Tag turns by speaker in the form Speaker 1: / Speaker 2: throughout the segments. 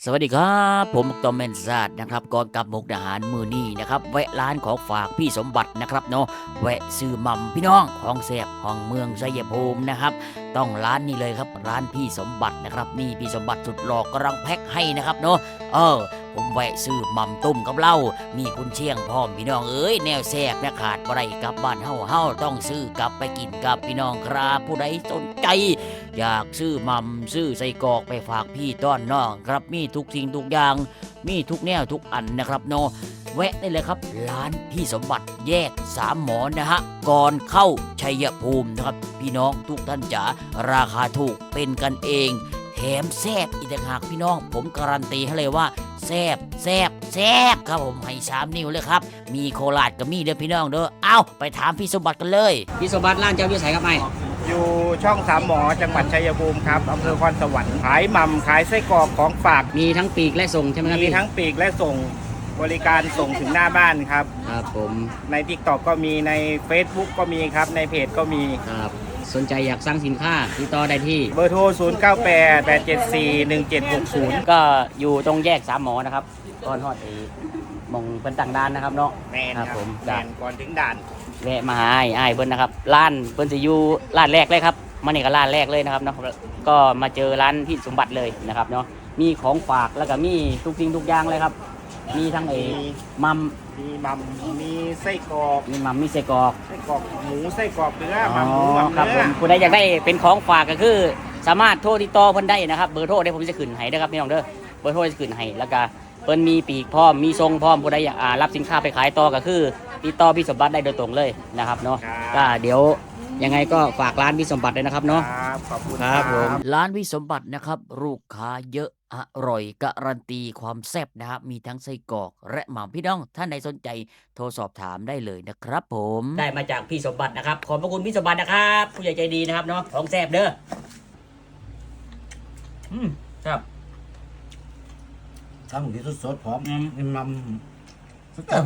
Speaker 1: สวัสดีครับผมตอมเมนซาดนะครับก่อนกลับมุกดาหารมือนี้นะครับแวะร้านของฝากพี่สมบัตินะครับเนาะแวะซื้อหม่ำพี่น้องของแซ่บของเมืองชัยภูมินะครับต้องร้านนี้เลยครับร้านพี่สมบัตินะครับนี่พี่สมบัติสุดหล่อกำลังแพ็คให้นะครับเนาะผมแวะซื้อหม่ำต้มกับเหล้ามีกุนเชียงพร้อมพี่น้องเอ้ยแนวแซ่บนะขาดบ่ได้กลับบ้านเฮาต้องซื้อกลับไปกินกับพี่น้องครับผู้ใดสนใจอยากซื้อหม่ำซื้อใส่กรอกไปฝากพี่ต้อนน้องครับมีทุกสิ่งทุกอย่างมีทุกแนวทุกอันนะครับเนาะแวะได้เลยครับร้านพี่สมบัติแยกสามหมอนะฮะก่อนเข้าชัยภูมินะครับพี่น้องทุกท่านจ๋าราคาถูกเป็นกันเองแถมแซ่บอีกต่างหากพี่น้องผมการันตีให้เลยว่าแซ่บครับผมให้3 นิ้วเลยครับมีโคราชกับมีเด้อพี่น้องเด้อเอ้าไปถามพี่สมบัติกันเลยพี่สมบัติร้านเจ้าอยู่ไสครับไอ้
Speaker 2: อยู่ช่องสามหมอจังหวัดชัยภูมิครับอำเภอคอนสวรรค์ขายหม่ำขายไส้กรอกของฝาก
Speaker 1: มีทั้งปีกและส่งใช่ไหมครับ
Speaker 2: มีทั้งปีกและส่งบริการส่งถึงหน้าบ้านครับ
Speaker 1: ครับผม
Speaker 2: ใน TikTok ก็มีใน Facebook ก็มีครับในเพจก็มี
Speaker 1: ครับสนใจอยากสั่งสินค้าติดต่อได้ที่
Speaker 2: เบอร์โทร 0988741760
Speaker 1: ก็อยู่ตรงแยกสามหมอนะครับก่อนฮอดมองเป็นต่างด้านนะครับเนาะ
Speaker 2: แมนครับ
Speaker 1: ผม
Speaker 2: แมนก่อนถึงด่าน
Speaker 1: แวะมาหาไอ้เบิ้ลนะครับร้านเบิ้ลจะอยู่ร้านแรกเลยครับมาเนี่ยก็ร้านแรกเลยนะครับเนาะก็มาเจอร้านพี่สมบัติเลยนะครับเนาะมีของฝากแล้วก็มีทุกสิ่งทุกอย่างเลยครับมีทั้งมัม
Speaker 2: มีหม่ำมีไส้กรอก
Speaker 1: มีมัมมีไส้กรอก
Speaker 2: หมูไส้กรอกเนื้อหม่ำหมูหม่ำ
Speaker 1: ครับผ
Speaker 2: เนื้อ
Speaker 1: มผู้ใดอยากได้เป็นของฝากก็คือสามารถโทรติดต่อเพิ่นได้นะครับเบอร์โทรได้ผมจะขึ้นให้นะครับพี่น้องเด้อเบอร์โทรจะขึ้นให้แล้วก็เพิ่นมีปีกพร้อมมีทรงพร้อมผู้ใดอยากรับสินค้าไปขายต่อก็คือติดต่อพี่สมบัติได้โดยตรงเลยนะครับเนาะก็เดี๋ยวยังไงก็ฝากร้านพี่สมบัติเลยนะครับเนาะ
Speaker 2: ครับขอบคุณ
Speaker 1: ครับผมร้านพี่สมบัตินะครับลูกค้าเยอะอร่อยการันตีความแซ่บนะครับมีทั้งไส้กรอกและหม่ำพี่น้องท่านใดสนใจโทรสอบถามได้เลยนะครับผมได้มาจากพี่สมบัตินะครับขอบพระคุณพี่สมบัตินะครับผู้ใหญ่ใจดีนะครับเนาะของแซ่บเด้อครับ
Speaker 3: ทำหมูที่สดๆพร้อมกินมันสักแก้ว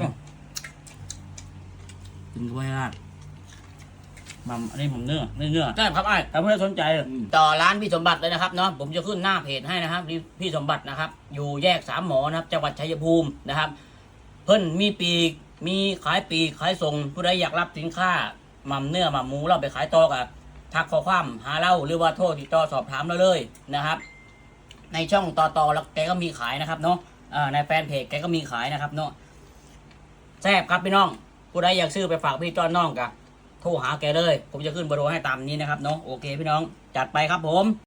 Speaker 1: กินด้วยอ่ะมัมอันนี้ผมเนื้อใช่ครับไอ้ถ้าเพื่อนสนใจต่อร้านพี่สมบัติเลยนะครับเนาะผมจะขึ้นหน้าเพจให้นะครับพี่สมบัตินะครับอยู่แยกสามหมอนะครับจังหวัดชัยภูมินะครับเพิ่นมีปีกมีขายปีกขายส่งผู้ใดอยากรับสินค้ามัมเนื้อมัมหมูเราไปขายต่อกับทักข้อความหาเราหรือว่าโทรติดต่อสอบถามเราเลยนะครับในช่องต่อแล้วแกก็มีขายนะครับเนาะในแฟนเพจแกก็มีขายนะครับเนาะแซ่บครับพี่น้องผู้ใดอยากซื้อไปฝากพี่ต้อนน้องกันโทรหาแกเลยผมจะขึ้นเบอร์โทรให้ตามนี้นะครับเนาะโอเคพี่น้องจัดไปครับผม